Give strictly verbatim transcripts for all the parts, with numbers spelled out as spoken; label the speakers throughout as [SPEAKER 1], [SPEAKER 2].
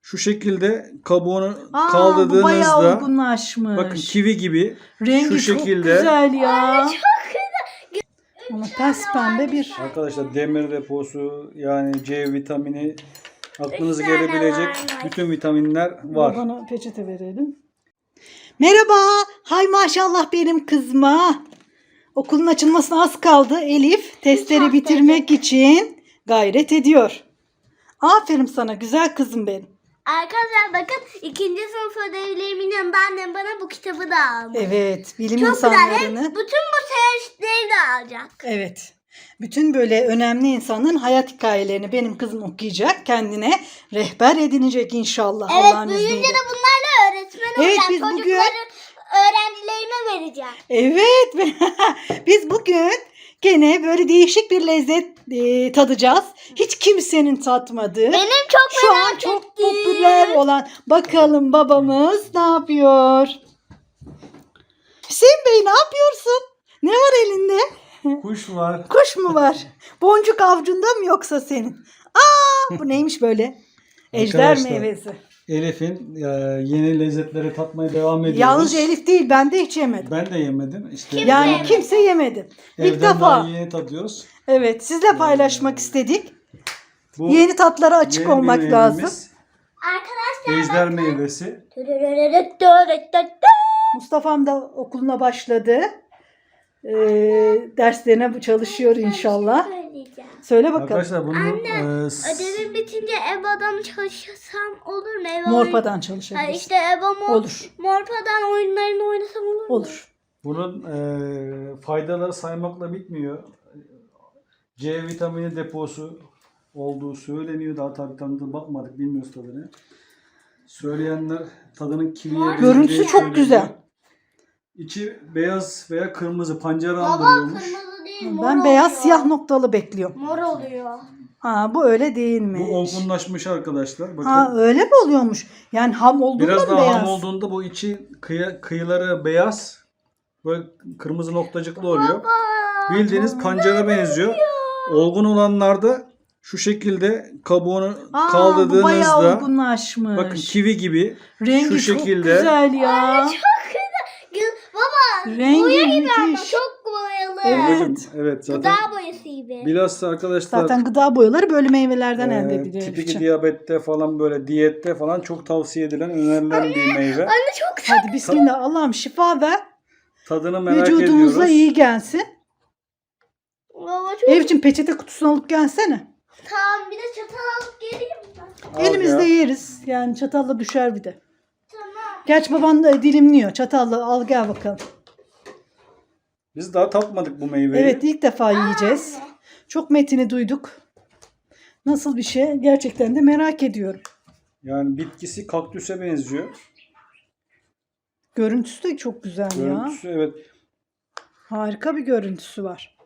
[SPEAKER 1] Şu şekilde kabuğunu
[SPEAKER 2] Aa, bu bayağı
[SPEAKER 1] kaldırdığınızda
[SPEAKER 2] olgunlaşmış.
[SPEAKER 1] bakın kivi gibi
[SPEAKER 2] Rengi
[SPEAKER 1] şu
[SPEAKER 2] çok
[SPEAKER 1] şekilde.
[SPEAKER 2] güzel ya. Ama pes pembe bir.
[SPEAKER 1] Arkadaşlar demir deposu yani C vitamini aklınıza
[SPEAKER 3] Üç tane
[SPEAKER 1] gelebilecek
[SPEAKER 3] varmış.
[SPEAKER 1] bütün vitaminler var.
[SPEAKER 2] Bana peçete verelim. Merhaba. Hay maşallah benim kızma. Okulun açılmasına az kaldı. Elif testleri
[SPEAKER 3] hafta
[SPEAKER 2] bitirmek için gayret ediyor. Aferin sana güzel kızım benim.
[SPEAKER 3] Arkadaşlar bakın ikinci sınıf ödevlerimin yanında annem bana bu kitabı da almış.
[SPEAKER 2] Evet, bilim
[SPEAKER 3] Çok güzel.
[SPEAKER 2] insanlarını.
[SPEAKER 3] Hem bütün bu seyahatleri de alacak.
[SPEAKER 2] Evet. Bütün böyle önemli insanların hayat hikayelerini benim kızım okuyacak. Kendine rehber edinecek inşallah
[SPEAKER 3] Evet
[SPEAKER 2] Allah'ın
[SPEAKER 3] büyüyünce
[SPEAKER 2] izniyle.
[SPEAKER 3] de bunlarla öğretmen
[SPEAKER 2] Evet,
[SPEAKER 3] olacak.
[SPEAKER 2] biz bugün-
[SPEAKER 3] Çocukların öğrencilerime vereceğim.
[SPEAKER 2] Evet. Biz bugün gene böyle değişik bir lezzet e, tadacağız. Hiç kimsenin tatmadığı.
[SPEAKER 3] Benim çok
[SPEAKER 2] Şu
[SPEAKER 3] merak
[SPEAKER 2] an çok
[SPEAKER 3] ettiğim-
[SPEAKER 2] popüler olan. Bakalım babamız ne yapıyor? Hüseyin Bey ne yapıyorsun? Ne var elinde?
[SPEAKER 1] Kuş var.
[SPEAKER 2] Kuş mu var? Boncuk avcunda mı yoksa senin? Aa, bu neymiş böyle? Ejder
[SPEAKER 1] Arkadaşlar,
[SPEAKER 2] meyvesi.
[SPEAKER 1] Elif'in e, yeni lezzetleri tatmaya devam ediyoruz.
[SPEAKER 2] Yalnızca Elif değil, ben de hiç yemedim.
[SPEAKER 1] Ben de yemedim. İşte
[SPEAKER 2] Yani
[SPEAKER 3] yemedi?
[SPEAKER 2] kimse yemedi. İlk
[SPEAKER 1] evden
[SPEAKER 2] defa.
[SPEAKER 1] daha yeni tadıyoruz.
[SPEAKER 2] Evet, sizle paylaşmak istedik.
[SPEAKER 1] Bu
[SPEAKER 2] Yeni tatlara açık
[SPEAKER 1] yeni
[SPEAKER 2] olmak
[SPEAKER 1] bir
[SPEAKER 2] lazım.
[SPEAKER 1] meyvemiz,
[SPEAKER 3] Arkadaşlar
[SPEAKER 1] Ejder meyvesi.
[SPEAKER 2] Mustafa'm da okuluna başladı. Ee, derslerine çalışıyor inşallah.
[SPEAKER 3] söyleyeceğim.
[SPEAKER 2] Söyle bakalım.
[SPEAKER 1] Arkadaşlar bunu
[SPEAKER 3] Anne,
[SPEAKER 1] e, s-
[SPEAKER 3] Ödevim bitince EBA'dan çalışsam olur mu? EBA
[SPEAKER 2] Morpa'dan
[SPEAKER 3] oyun-
[SPEAKER 2] çalışabilirsin.
[SPEAKER 3] Ha, işte EBA mor,
[SPEAKER 2] Olur.
[SPEAKER 3] Morpa'dan oyunlarını oynasam olur mu?
[SPEAKER 2] Olur.
[SPEAKER 1] bunun e, faydaları saymakla bitmiyor. C vitamini deposu olduğu söyleniyor. Daha tabii tadına bakmadık. Bilmiyoruz tadını. Söyleyenler tadının kiviye
[SPEAKER 2] Görüntüsü
[SPEAKER 1] benzeyeceğini
[SPEAKER 2] çok
[SPEAKER 1] söylüyor.
[SPEAKER 2] güzel.
[SPEAKER 1] İçi beyaz veya kırmızı pancara
[SPEAKER 3] Baba
[SPEAKER 1] andırıyormuş.
[SPEAKER 3] kırmızı değil mor
[SPEAKER 2] Ben beyaz
[SPEAKER 3] oluyor.
[SPEAKER 2] siyah noktalı bekliyorum.
[SPEAKER 3] Mor oluyor.
[SPEAKER 2] Ha, bu öyle
[SPEAKER 1] Bu
[SPEAKER 2] değilmiş.
[SPEAKER 1] olgunlaşmış arkadaşlar. Bakın.
[SPEAKER 2] Ha, öyle mi oluyormuş? Yani ham olduğunda
[SPEAKER 1] Biraz
[SPEAKER 2] mı
[SPEAKER 1] daha
[SPEAKER 2] beyaz?
[SPEAKER 1] ham olduğunda bu içi kıyı, kıyıları beyaz. Böyle kırmızı noktacıklı oluyor. Bildiğiniz pancara benziyor. Olgun olanlarda şu şekilde kabuğunu
[SPEAKER 2] Aa, bu bayağı
[SPEAKER 1] kaldırdığınızda
[SPEAKER 2] olgunlaşmış.
[SPEAKER 1] bakın kivi gibi
[SPEAKER 2] Rengi
[SPEAKER 1] şu
[SPEAKER 2] çok
[SPEAKER 1] şekilde.
[SPEAKER 2] güzel ya.
[SPEAKER 3] Baba
[SPEAKER 2] Rengi
[SPEAKER 3] boya gibi ama
[SPEAKER 2] müthiş.
[SPEAKER 3] çok boyalı.
[SPEAKER 2] Evet.
[SPEAKER 1] Evet, evet zaten.
[SPEAKER 3] Gıda boyası gibi.
[SPEAKER 1] Bilhassa arkadaşlar
[SPEAKER 2] Zaten gıda boyaları böyle meyvelerden
[SPEAKER 1] e,
[SPEAKER 2] elde ediliyor.
[SPEAKER 1] tip
[SPEAKER 2] Elifciğim.
[SPEAKER 1] iki diyabette falan böyle diyette falan çok tavsiye edilen önerilen bir meyve.
[SPEAKER 3] Anne çok güzel.
[SPEAKER 2] Hadi bismillah, Allah'ım şifa ver.
[SPEAKER 1] Tadını merak
[SPEAKER 2] Vücudumuza
[SPEAKER 1] ediyoruz.
[SPEAKER 2] iyi gelsin.
[SPEAKER 3] Baba çok
[SPEAKER 2] Elifciğim peçete kutusunu alıp gelsene.
[SPEAKER 3] Tamam bir de çatal alıp geleyim mi?
[SPEAKER 1] Al
[SPEAKER 2] Elimizde
[SPEAKER 1] ya.
[SPEAKER 2] yeriz. Yani çatalla düşer bir de.
[SPEAKER 3] Tamam.
[SPEAKER 2] Gerçi baban da dilimliyor. Çatalla al gel bakalım.
[SPEAKER 1] Biz daha tatmadık bu meyveyi.
[SPEAKER 2] Evet, ilk defa yiyeceğiz. Çok metini duyduk. Nasıl bir şey gerçekten de merak ediyorum.
[SPEAKER 1] Yani bitkisi kaktüse benziyor.
[SPEAKER 2] Görüntüsü de çok güzel ya.
[SPEAKER 1] Görüntüsü evet.
[SPEAKER 2] Harika bir görüntüsü var.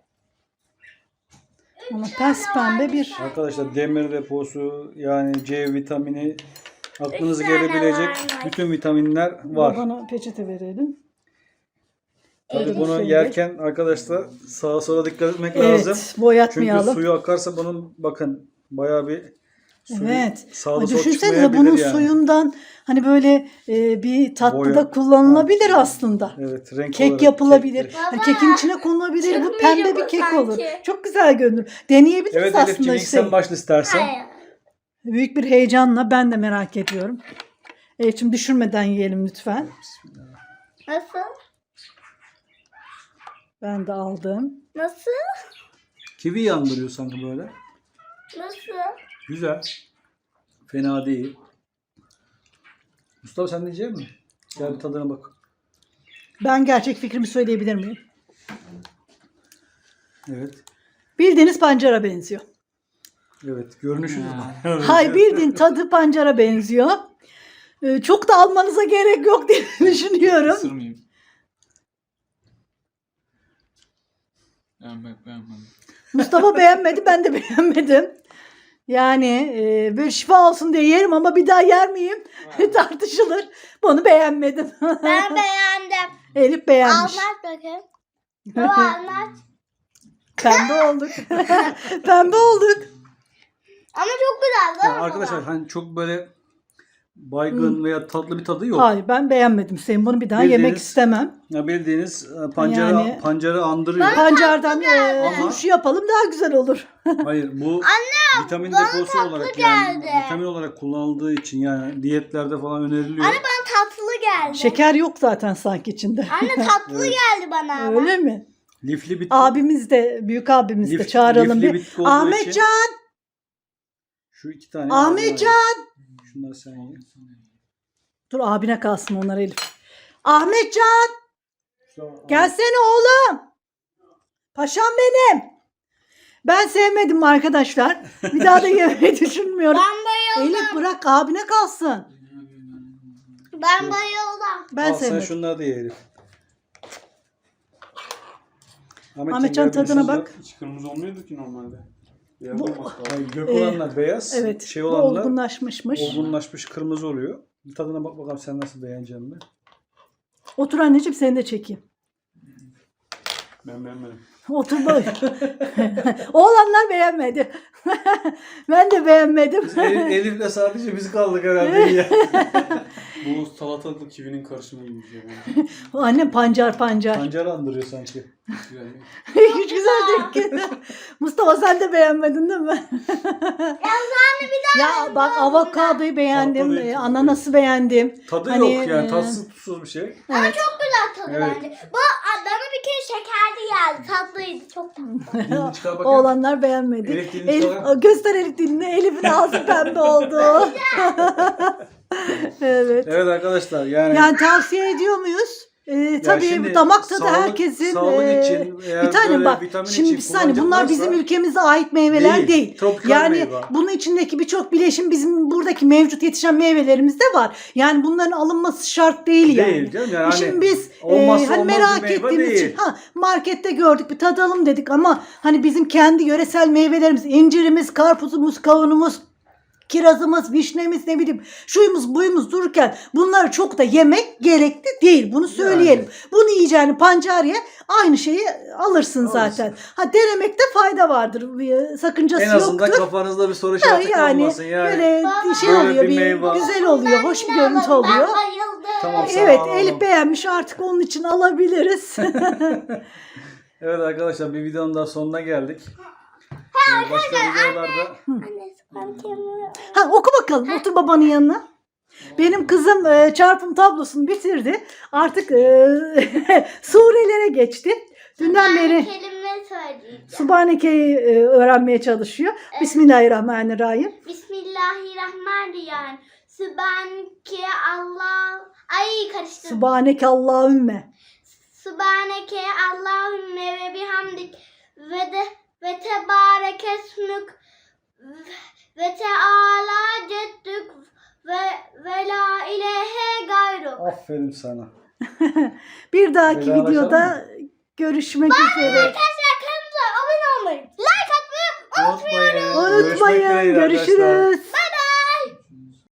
[SPEAKER 2] Ama pes pembe bir.
[SPEAKER 1] Arkadaşlar demir deposu yani C vitamini aklınıza
[SPEAKER 3] Üç tane
[SPEAKER 1] gelebilecek
[SPEAKER 3] varmış.
[SPEAKER 1] bütün vitaminler var.
[SPEAKER 2] Bana peçete verelim.
[SPEAKER 1] Tabii
[SPEAKER 2] Evet,
[SPEAKER 1] bunu
[SPEAKER 2] şöyle.
[SPEAKER 1] yerken arkadaşlar sağa sola dikkat etmek lazım.
[SPEAKER 2] Evet,
[SPEAKER 1] Çünkü
[SPEAKER 2] boyatmayalım.
[SPEAKER 1] suyu akarsa bunun bakın bayağı bir suyu
[SPEAKER 2] Evet.
[SPEAKER 1] sağda
[SPEAKER 2] Ay,
[SPEAKER 1] sola
[SPEAKER 2] düşünsenize
[SPEAKER 1] çıkmayabilir
[SPEAKER 2] bunun
[SPEAKER 1] yani.
[SPEAKER 2] suyundan hani böyle e, bir tatlıda
[SPEAKER 1] Boya.
[SPEAKER 2] kullanılabilir aslında.
[SPEAKER 1] Evet, renk
[SPEAKER 2] Kek
[SPEAKER 1] olarak
[SPEAKER 2] yapılabilir.
[SPEAKER 1] kek-
[SPEAKER 2] Hani kekin içine konulabilir. Bu
[SPEAKER 3] çıkmayacak
[SPEAKER 2] pembe bir
[SPEAKER 3] o
[SPEAKER 2] kek
[SPEAKER 3] sanki.
[SPEAKER 2] olur. Çok güzel görünür. Deneyebiliriz
[SPEAKER 1] Evet
[SPEAKER 2] aslında
[SPEAKER 1] Elif'ciğim ilk
[SPEAKER 2] işte.
[SPEAKER 1] sen başla istersen.
[SPEAKER 3] Hayır.
[SPEAKER 2] Büyük bir heyecanla ben de merak ediyorum. Elif'ciğim düşürmeden yiyelim lütfen.
[SPEAKER 3] Nasıl?
[SPEAKER 2] Ben de aldım.
[SPEAKER 3] Nasıl?
[SPEAKER 1] Kivi yandırıyor sanki böyle.
[SPEAKER 3] Nasıl?
[SPEAKER 1] Güzel. Fena değil. Mustafa sen de yiyecek misin? Gel bir tadına bak.
[SPEAKER 2] Ben gerçek fikrimi söyleyebilir miyim?
[SPEAKER 1] Evet.
[SPEAKER 2] Bildiğiniz pancara benziyor.
[SPEAKER 1] Evet. Görünüşü.
[SPEAKER 2] Hay bildiğin tadı pancara benziyor. Ee, çok da almanıza gerek yok diye düşünüyorum.
[SPEAKER 4] Isırmayayım. Beğenmek beğenmedim.
[SPEAKER 2] Mustafa beğenmedi, ben de beğenmedim. Yani e, böyle şifa olsun diye yerim ama bir daha yer miyim? Tartışılır. Bunu beğenmedim.
[SPEAKER 3] Ben beğendim.
[SPEAKER 2] Elif beğenmiş.
[SPEAKER 3] Anlat bakayım. Baba anlat.
[SPEAKER 2] Pembe olduk. Pembe olduk.
[SPEAKER 3] Ama çok güzel değil mi
[SPEAKER 1] Ya arkadaşlar
[SPEAKER 3] baba?
[SPEAKER 1] hani çok böyle baygın veya tatlı bir tadı yok.
[SPEAKER 2] Hayır, ben beğenmedim. Sen bunu bir daha
[SPEAKER 1] Bildiğiniz-
[SPEAKER 2] yemek istemem.
[SPEAKER 1] Ya bildiğiniz e, pancarı,
[SPEAKER 2] Yani-
[SPEAKER 1] pancarı andırıyor.
[SPEAKER 2] Pancardan e,
[SPEAKER 1] Ama-
[SPEAKER 2] turşu yapalım daha güzel olur.
[SPEAKER 1] Hayır bu vitamin
[SPEAKER 3] bana
[SPEAKER 1] deposu
[SPEAKER 3] tatlı
[SPEAKER 1] olarak yani
[SPEAKER 3] geldi.
[SPEAKER 1] vitamin olarak kullanıldığı için yani diyetlerde falan öneriliyor.
[SPEAKER 3] Anne bana tatlı geldi.
[SPEAKER 2] Şeker yok zaten sanki içinde.
[SPEAKER 3] Anne tatlı
[SPEAKER 1] Evet.
[SPEAKER 3] geldi bana ama.
[SPEAKER 2] Öyle mi?
[SPEAKER 1] Lifli bitki.
[SPEAKER 2] Abimiz de, büyük abimiz de
[SPEAKER 1] Lif-
[SPEAKER 2] çağıralım
[SPEAKER 1] lifli
[SPEAKER 2] bir.
[SPEAKER 1] bitki olduğu
[SPEAKER 2] Ahmetcan,
[SPEAKER 1] için- Şu iki tane.
[SPEAKER 2] Ahmetcan.
[SPEAKER 1] Şunları sen ye.
[SPEAKER 2] Dur abine kalsın onlar Elif. Ahmetcan,
[SPEAKER 1] Şu-
[SPEAKER 2] gelsene oğlum. Paşam benim. Ben sevmedim arkadaşlar. Bir daha da yemeyi düşünmüyorum.
[SPEAKER 3] Ben bayıldım.
[SPEAKER 2] Elif bırak abine kalsın.
[SPEAKER 3] Ben bayıldım.
[SPEAKER 2] Ben
[SPEAKER 1] Al sen
[SPEAKER 2] sevmedim.
[SPEAKER 1] şunları da ye Elif.
[SPEAKER 2] Ahmetcan
[SPEAKER 1] gel
[SPEAKER 2] tadına
[SPEAKER 1] bir
[SPEAKER 2] bak.
[SPEAKER 4] Hiç kırmızı olmuyordu ki normalde. Beyaz
[SPEAKER 2] Bu-
[SPEAKER 4] olması lazım.
[SPEAKER 1] Hayır, gök
[SPEAKER 2] Ee,
[SPEAKER 1] olanlar beyaz.
[SPEAKER 2] Evet.
[SPEAKER 1] Şey
[SPEAKER 2] bu
[SPEAKER 1] olanlar
[SPEAKER 2] olgunlaşmışmış.
[SPEAKER 1] olgunlaşmış kırmızı oluyor. Bir tadına bak bakalım sen nasıl beğeneceksin mi?
[SPEAKER 2] Otur anneciğim seni de çekeyim.
[SPEAKER 4] Ben beğenmedim.
[SPEAKER 2] Otur bak. Oğlanlar beğenmedi. Ben de beğenmedim.
[SPEAKER 1] Elif, Elif'le sadece biz kaldık herhalde ya.
[SPEAKER 4] Bu salatalıklı kivinin karışımı gibi bir şey bence.
[SPEAKER 2] Annem pancar pancar.
[SPEAKER 1] Pancar andırıyor sanki.
[SPEAKER 4] Güzel.
[SPEAKER 2] Hiç güzel değil ki. Mustafa sen de beğenmedin değil mi? Ya bak avokadoyu beğendim,
[SPEAKER 1] Tatlı değil,
[SPEAKER 2] e,
[SPEAKER 1] tadı
[SPEAKER 2] ananası beğendim.
[SPEAKER 1] Tadı
[SPEAKER 2] Hani,
[SPEAKER 1] yok yani
[SPEAKER 2] e,
[SPEAKER 1] tatsız tuzsuz bir şey.
[SPEAKER 2] Evet.
[SPEAKER 3] Güzel tadı
[SPEAKER 1] Evet.
[SPEAKER 3] bence. Bu bana bir kere şekerli geldi. Tatlıydı. Çok tatlı.
[SPEAKER 1] Dilini çıkar bakayım.
[SPEAKER 2] Oğlanlar beğenmedi.
[SPEAKER 1] Elif dilini
[SPEAKER 2] Elif,
[SPEAKER 1] çıkar.
[SPEAKER 2] göster Elif dilini. Elif'in ağzı pembe oldu. Evet.
[SPEAKER 1] Evet arkadaşlar yani,
[SPEAKER 2] Yani tavsiye ediyor muyuz? Ee,
[SPEAKER 1] ya
[SPEAKER 2] tabii
[SPEAKER 1] şimdi
[SPEAKER 2] damak tadı
[SPEAKER 1] sağlık-
[SPEAKER 2] herkesin.
[SPEAKER 1] sağlık
[SPEAKER 2] e,
[SPEAKER 1] için eğer
[SPEAKER 2] bir tane
[SPEAKER 1] böyle
[SPEAKER 2] bak.
[SPEAKER 1] vitamin
[SPEAKER 2] Şimdi
[SPEAKER 1] için
[SPEAKER 2] bir saniye bunlar
[SPEAKER 1] kullanacaklarsa-
[SPEAKER 2] bizim ülkemize ait meyveler değil.
[SPEAKER 1] Değil, tropikal
[SPEAKER 2] Yani
[SPEAKER 1] meyve.
[SPEAKER 2] bunun içindeki birçok bileşim bizim buradaki mevcut yetişen meyvelerimizde var. Yani bunların alınması şart değil yani.
[SPEAKER 1] Değil canım yani
[SPEAKER 2] Şimdi
[SPEAKER 1] hani
[SPEAKER 2] biz e,
[SPEAKER 1] olmazsa
[SPEAKER 2] hani
[SPEAKER 1] olmaz bir
[SPEAKER 2] merak
[SPEAKER 1] meyve
[SPEAKER 2] ettiğimiz
[SPEAKER 1] değil.
[SPEAKER 2] için ha markette gördük bir tadalım dedik ama hani bizim kendi yöresel meyvelerimiz incirimiz, karpuzumuz, kavunumuz, kirazımız, vişnemiz ne bileyim şuyumuz buyumuz dururken bunları çok da yemek gerekli değil. Bunu söyleyelim. Bunu yiyeceğini pancar ye aynı şeyi alırsın zaten. Ha denemekte fayda vardır. Bir sakıncası
[SPEAKER 1] En azından
[SPEAKER 2] yoktur.
[SPEAKER 1] kafanızda bir soru
[SPEAKER 2] Ha,
[SPEAKER 1] işareti
[SPEAKER 2] yani
[SPEAKER 1] kalmasın yani.
[SPEAKER 2] böyle şey
[SPEAKER 1] Böyle
[SPEAKER 2] oluyor
[SPEAKER 1] bir
[SPEAKER 2] bir,
[SPEAKER 1] meyve.
[SPEAKER 2] güzel oluyor, hoş bir görüntü oluyor.
[SPEAKER 3] Ben bayıldım.
[SPEAKER 1] Tamam, sağ
[SPEAKER 2] Evet
[SPEAKER 1] olun.
[SPEAKER 2] Elif beğenmiş artık onun için alabiliriz.
[SPEAKER 1] Evet arkadaşlar bir videonun daha sonuna geldik. Ee, Başka videolarda
[SPEAKER 3] Anne spantiyonu.
[SPEAKER 2] Ha oku bakalım. Otur babanın yanına. Benim kızım e, çarpım tablosunu bitirdi. Artık e, surelere geçti. Dünden beri
[SPEAKER 3] Kelime söyleyeceğim.
[SPEAKER 2] Subhaneke'yi e, öğrenmeye çalışıyor. Bismillahirrahmanirrahim.
[SPEAKER 3] Bismillahirrahmanirrahim. Sübhaneke Allah. Ay karıştırdım.
[SPEAKER 2] Subhaneke Allahümme.
[SPEAKER 3] Sübhaneke Allahümme ve bihamdik ve de ve tebarek esmük ve teala ceddük ve ve la ilahe gayruk.
[SPEAKER 1] aferin sana.
[SPEAKER 2] Bir dahaki
[SPEAKER 1] Vedalaşalım
[SPEAKER 2] videoda görüşmek üzere.
[SPEAKER 3] Arkadaşlar kanalımıza abone olmayı, like atmayı
[SPEAKER 1] Unutmayın.
[SPEAKER 2] Unutmayın.
[SPEAKER 1] Görüşmek dileğiyle arkadaşlar.
[SPEAKER 2] Görüşürüz.